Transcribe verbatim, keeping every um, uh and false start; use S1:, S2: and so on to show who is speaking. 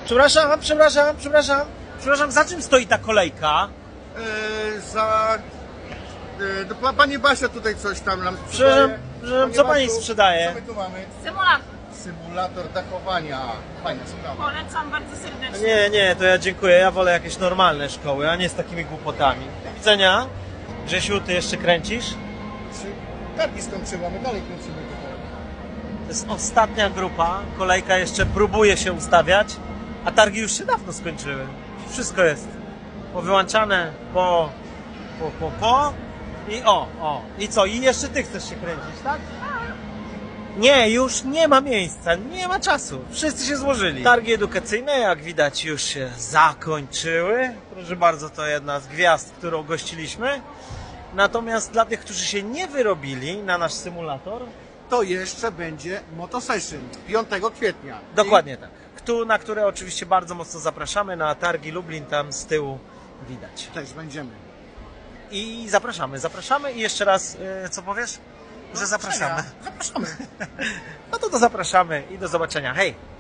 S1: Przepraszam, przepraszam, przepraszam. Przepraszam, za czym stoi ta kolejka?
S2: Yy, za... Yy, do, pa- pani Basia tutaj coś tam nam sprzedaje.
S1: Przepraszam, przepraszam, co pani
S2: Basiu,
S1: sprzedaje?
S2: Co my tu mamy?
S3: Symulator.
S2: Symulator dachowania. Fajna sprawa.
S3: Polecam bardzo serdecznie.
S1: Nie, nie, to ja dziękuję. Ja wolę jakieś normalne szkoły, a nie z takimi głupotami. Do widzenia. Grzesiu, ty jeszcze kręcisz?
S2: Trzy targi skończyła, my dalej kręcimy tutaj.
S1: To jest ostatnia grupa. Kolejka jeszcze próbuje się ustawiać, a targi już się dawno skończyły. Wszystko jest powyłączane, po, po, po, po i o, o. I co? I jeszcze ty chcesz się kręcić, tak? Nie, już nie ma miejsca, nie ma czasu. Wszyscy się złożyli. Targi edukacyjne, jak widać, już się zakończyły. Proszę bardzo, to jedna z gwiazd, którą gościliśmy. Natomiast dla tych, którzy się nie wyrobili na nasz symulator,
S2: To jeszcze będzie Motosession piątego kwietnia.
S1: dokładnie tak. Ktu- Na które oczywiście bardzo mocno zapraszamy, na targi Lublin, tam z tyłu widać.
S2: I też będziemy.
S1: I zapraszamy, zapraszamy i jeszcze raz, yy, co powiesz? Że zapraszamy.
S2: Zapraszamy.
S1: No to to zapraszamy i do zobaczenia. Hej!